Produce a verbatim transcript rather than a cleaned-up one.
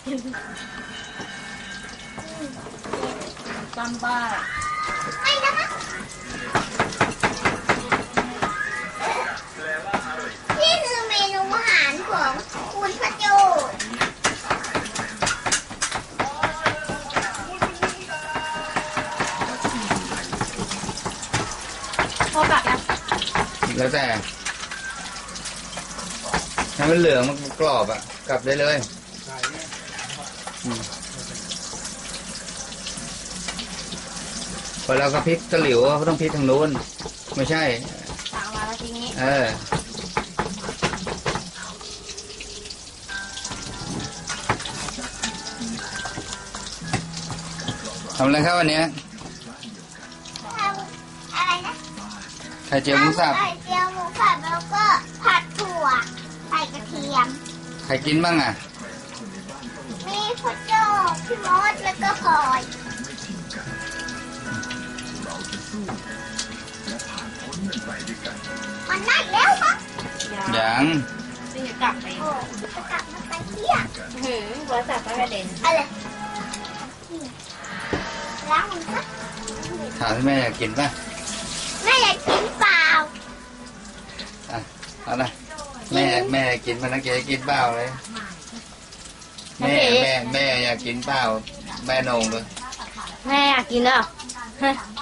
ตามบ้านไม่นะคะนี่คือเมนูอาหารของคุณพระโจพอกลับนะแล้วแต่ให้มันเหลืองมันกรอบอ่ะกลับได้เลยพอเราก็พลิกตะหลิวก็ต้องพลิกทางนู้นไม่ใช่ต่างมาแล้วทีนี้เออทำอะไรครับวันนี้อะไรนะไข่เจียวหมูสับไข่เจียวหมูสับแล้วก็ผัดถั่วใส่กระเทียมใครกินบ้างอ่ะมีพ่อโจ้พี่มดแล้วก็พลอยมันได้แล้วครับยังจะกลับไปโอ้จะกลับมาไปเที่ยงหืมหัวสับไม่กระเด็นอะไรล้างมันครับถามที่แม่อยากกินป่ะแม่อยากกินเปล่าอ่ะเอาละแม่แม่กินมันนักเกกินเปล่าเลยแม่แม่แม่อยากกินเปล่าแม่นงเลยแม่อยากกินเหรอ